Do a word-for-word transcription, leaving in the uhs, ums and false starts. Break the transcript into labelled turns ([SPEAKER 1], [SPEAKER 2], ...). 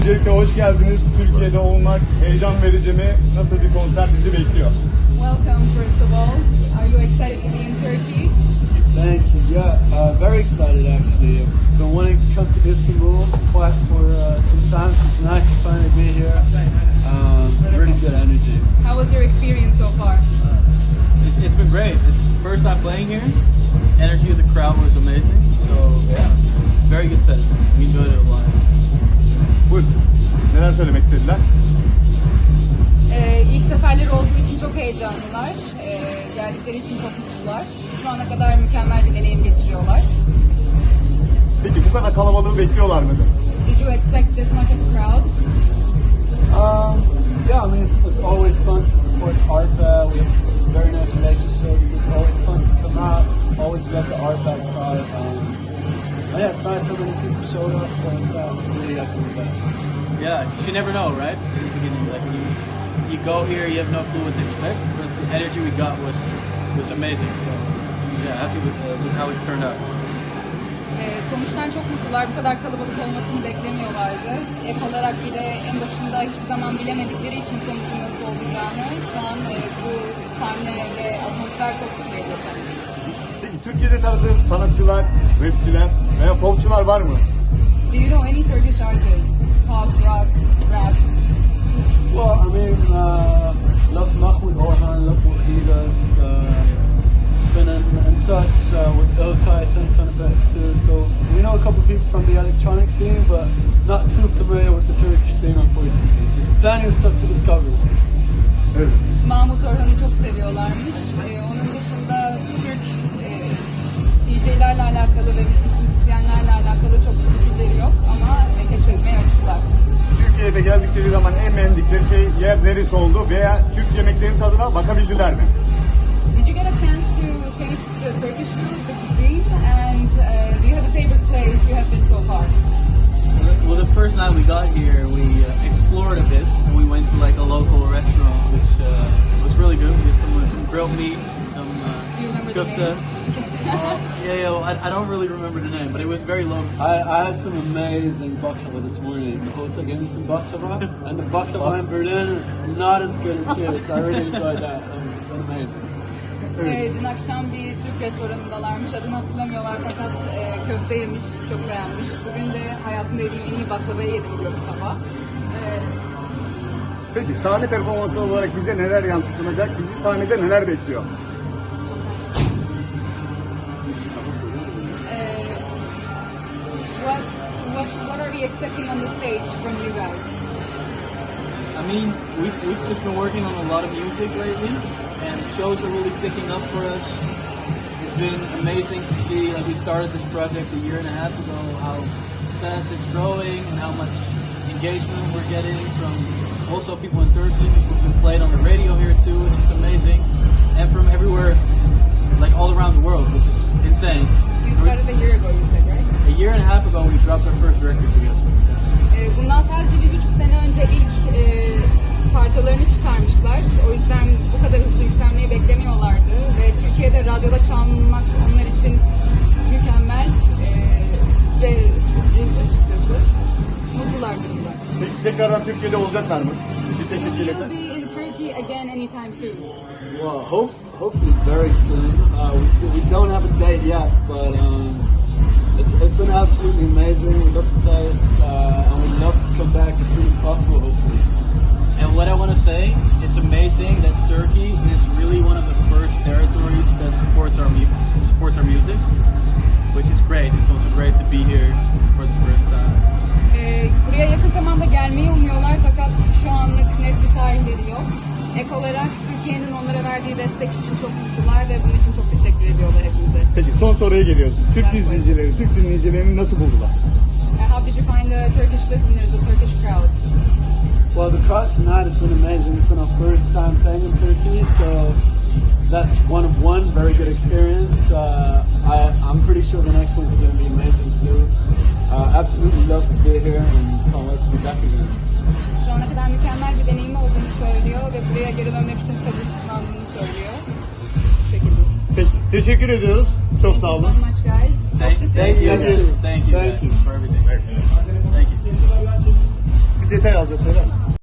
[SPEAKER 1] Öncelikle hoş geldiniz. Türkiye'de olmak heyecan verici mi? Nasıl bir konser bizi bekliyor?
[SPEAKER 2] Welcome, first of all. Are you excited to be in Turkey?
[SPEAKER 3] Thank you. Yeah, uh, very excited actually. I've been wanting to come to Istanbul quite for uh, some time, so it's nice to finally be here. Um, really good energy.
[SPEAKER 2] How was your experience so far?
[SPEAKER 4] It's, it's been great. It's the first time playing here. Energy of the crowd was amazing. So yeah, very good set. We enjoyed it a lot.
[SPEAKER 1] Buyurun. Neler söylemek istediler?
[SPEAKER 2] Ee, ilk seferleri olduğu için çok heyecanlılar. Ee, geldikleri için çok mutlular. Şu ana kadar mükemmel bir deneyim geçiriyorlar.
[SPEAKER 1] Peki bu kadar kalabalığı bekliyorlar mıydı?
[SPEAKER 2] Did you expect this much of a crowd?
[SPEAKER 3] Um, yeah, I mean, it's, it's always fun to support ARPA. We have very nice relationships. It's always fun to come out. Always love the ARPA crowd. Um, oh yeah, it's nice how many people showed up. So it's uh, really happy with that.
[SPEAKER 4] Yeah, you never know, right? In the beginning, like you, you go here, you have no clue what to expect. But the energy we got was was amazing. So yeah, happy with, uh, with how it turned out.
[SPEAKER 2] Ee, sonuçtan çok mutlular. Bu kadar kalabalık olmasını beklemiyorlardı. Ek olarak bir de en başında hiçbir zaman bilemedikleri için sonucun nasıl olacağını şu an e, bu sahne ve atmosfer çok mutlu ediyor.
[SPEAKER 1] Peki Türkiye'de tanıdığınız sanatçılar, rapçiler veya popçular var mı?
[SPEAKER 2] Do you know any Turkish artists? Pop, rock, rap?
[SPEAKER 3] Well, I mean, uh, love Mahmoud Orhan, love what he does. Uh, been in, in touch uh, with Ilkay some kind of bit too. So we know a couple of people from the electronic scene, but not too familiar with the Turkish scene, unfortunately. There's plenty of stuff to discover.
[SPEAKER 1] Evet.
[SPEAKER 2] Mahmut Orhan'ı çok seviyorlarmış. Ee, onun dışında Türk e, D J'lerle alakalı ve müzik müzisyenlerle alakalı çok bilgileri yok ama e, keşfetmeye açıklar.
[SPEAKER 1] Türkiye'de geldikleri zaman en beğendikleri şey yer neresi oldu veya Türk yemeklerinin tadına bakabildiler mi?
[SPEAKER 2] Did you get a chance to taste the Turkish food, the cuisine, and uh, do you have a favorite place you have been so far?
[SPEAKER 4] Well, the first night we got here, we uh, explored a bit, and we went to like a local restaurant, which uh, was really good. We did some some grilled meat, some uh,
[SPEAKER 2] Do you remember
[SPEAKER 4] kofta.
[SPEAKER 2] the name?
[SPEAKER 4] Uh, yeah, yeah. Well, I, I don't really remember the name, but it was very local.
[SPEAKER 3] I, I had some amazing baklava this morning. The hotel gave me some baklava, and the baklava in Berlin is not as good as here, so I really enjoyed that. It was amazing.
[SPEAKER 2] Ee, dün akşam bir Türk restoranındalarmış. Adını hatırlamıyorlar fakat e, köfte yemiş, çok beğenmiş. Bugün de hayatımda yediğim en iyi baklavayı yedim diyor bu sabah. Ee,
[SPEAKER 1] Peki sahne performansı olarak bize neler yansıtılacak? Bizi sahnede neler bekliyor?
[SPEAKER 2] Uh, what, what, what are we expecting on the stage from you guys?
[SPEAKER 4] I mean, we've, we've just been working on a lot of music lately, and shows are really picking up for us. It's been amazing to see, like we started this project a year and a half ago, how fast it's growing and how much engagement we're getting from also people in Turkey, because we've been played on the radio here too, which is amazing, and from everywhere, like all around the world, which is insane.
[SPEAKER 2] You started a year ago, you said, right?
[SPEAKER 4] A year and a half ago, we dropped our first record together.
[SPEAKER 2] Ee, bundan sadece bir buçuk sene önce ilk e, parçalarını çıkarmışlar. O yüzden bu kadar hızlı yükselmeyi beklemiyorlardı ve Türkiye'de radyoda çalmak onlar için mükemmel e, ve sürpriz açıkçası. Mutlular bunlar.
[SPEAKER 1] Peki tekrardan Türkiye'de olacaklar mı? Bir teşekkür
[SPEAKER 2] Will you
[SPEAKER 1] ederim.
[SPEAKER 2] be in Turkey again anytime soon?
[SPEAKER 3] Well, hope, hopefully very soon. Uh, we, we don't have a date yet, but um, it's, it's been absolutely amazing. We love the place, uh, and we'd love to come back as soon as possible, hopefully.
[SPEAKER 4] And what I want to say, it's amazing that Turkey is really one of the first territories that supports our mu- supports our music, which is great. It's also great to be here for the first time.
[SPEAKER 2] Ee, buraya yakın zamanda gelmeyi umuyorlar fakat şu anlık net bir tarihleri yok. Ek olarak Türkiye'nin onlara verdiği destek için çok mutlular ve bunun için çok teşekkür ediyorlar hepimize.
[SPEAKER 1] Peki son soruya geliyoruz. Türk
[SPEAKER 2] Evet,
[SPEAKER 1] izleyicileri, Türk dinleyicilerini nasıl buldular?
[SPEAKER 2] Uh, how did you find the Turkish listeners, the Turkish crowd?
[SPEAKER 3] Well, the crowd tonight has been amazing. It's been our first time playing in Turkey, so that's one of one, very good experience. Uh, I, I'm pretty sure the next ones are going to be amazing too. Uh, absolutely love to be here and can't wait to be back again.
[SPEAKER 2] Şu ana kadar mükemmel bir deneyimi olduğunu söylüyor ve buraya geri dönmek için sabırsızlandığını söylüyor. Bu şekilde.
[SPEAKER 1] Peki teşekkür ediyoruz. Çok sağ olun.
[SPEAKER 2] Thank you so much guys.
[SPEAKER 4] Thank,
[SPEAKER 2] Hope to see
[SPEAKER 4] thank you,
[SPEAKER 2] you.
[SPEAKER 4] thank you,
[SPEAKER 3] Thank
[SPEAKER 4] guys,
[SPEAKER 3] you.
[SPEAKER 4] for everything. Thank you.
[SPEAKER 1] detay alacağız, söyler misin?